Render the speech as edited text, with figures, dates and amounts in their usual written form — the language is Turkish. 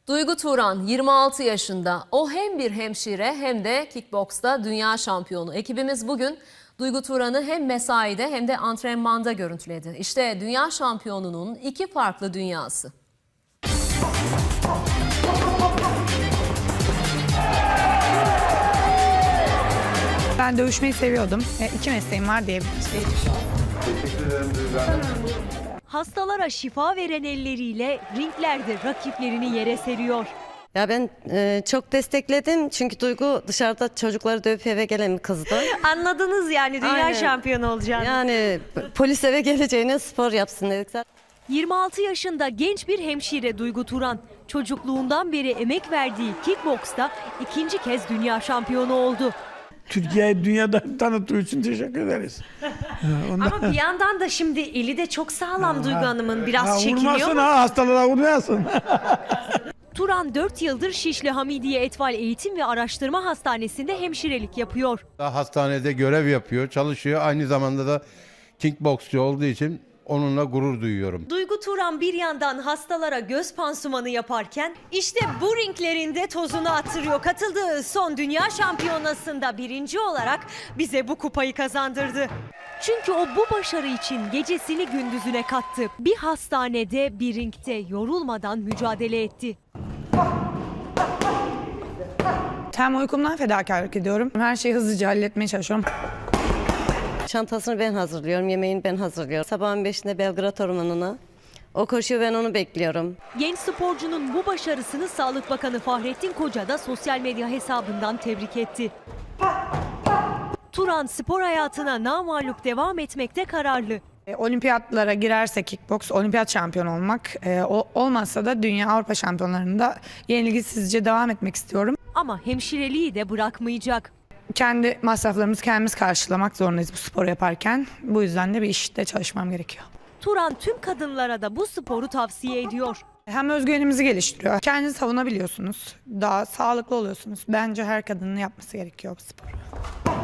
Duygu Turan 26 yaşında. O hem bir hemşire hem de kickboksta dünya şampiyonu. Ekibimiz bugün Duygu Turan'ı hem mesaide hem de antrenmanda görüntüledi. İşte dünya şampiyonunun iki farklı dünyası. Ben dövüşmeyi seviyordum. İki mesleğim var diyebiliriz. Teşekkür ederim Duygu Hanım. Hastalara şifa veren elleriyle ringlerde rakiplerini yere seriyor. Ya ben çok destekledim çünkü Duygu dışarıda çocukları dövüp eve gelen bir kızdı. Anladınız yani dünya Aynen. şampiyonu olacağını. Yani polis eve geleceğine spor yapsın dedik zaten. 26 yaşında genç bir hemşire Duygu Turan. Çocukluğundan beri emek verdiği kickboksta ikinci kez dünya şampiyonu oldu. Türkiye'yi dünyada tanıttığı için teşekkür ederiz. Ama bir yandan da şimdi eli de çok sağlam Duygu Hanım'ın, biraz çekiniyor Vurmasın mu? hastalara vurmayasın. Turan 4 yıldır Şişli Hamidiye Etfal Eğitim ve Araştırma Hastanesi'nde hemşirelik yapıyor. Hastanede görev yapıyor, çalışıyor. Aynı zamanda da kickboksçu olduğu için onunla gurur duyuyorum. Duygu Turan bir yandan hastalara göz pansumanı yaparken işte bu ringlerinde tozunu attırıyor. Katıldığı son dünya şampiyonasında birinci olarak bize bu kupayı kazandırdı. Çünkü o bu başarı için gecesini gündüzüne kattı. Bir hastanede, bir ringte yorulmadan mücadele etti. Hem uykumdan fedakarlık ediyorum. Her şeyi hızlıca halletmeye çalışıyorum. Çantasını ben hazırlıyorum, yemeğini ben hazırlıyorum. Sabahın 5'inde Belgrad Ormanı'na. O koşuyor, ben onu bekliyorum. Genç sporcunun bu başarısını Sağlık Bakanı Fahrettin Koca da sosyal medya hesabından tebrik etti. Turan spor hayatına namağlup devam etmekte kararlı. Olimpiyatlara girerse kickboks, olimpiyat şampiyonu olmak, olmazsa da dünya Avrupa şampiyonlarında yenilgisizce devam etmek istiyorum. Ama hemşireliği de bırakmayacak. Kendi masraflarımızı kendimiz karşılamak zorundayız bu sporu yaparken. Bu yüzden de bir işte çalışmam gerekiyor. Turan tüm kadınlara da bu sporu tavsiye ediyor. Hem özgüvenimizi geliştiriyor. Kendinizi savunabiliyorsunuz. Daha sağlıklı oluyorsunuz. Bence her kadının yapması gerekiyor bu sporu.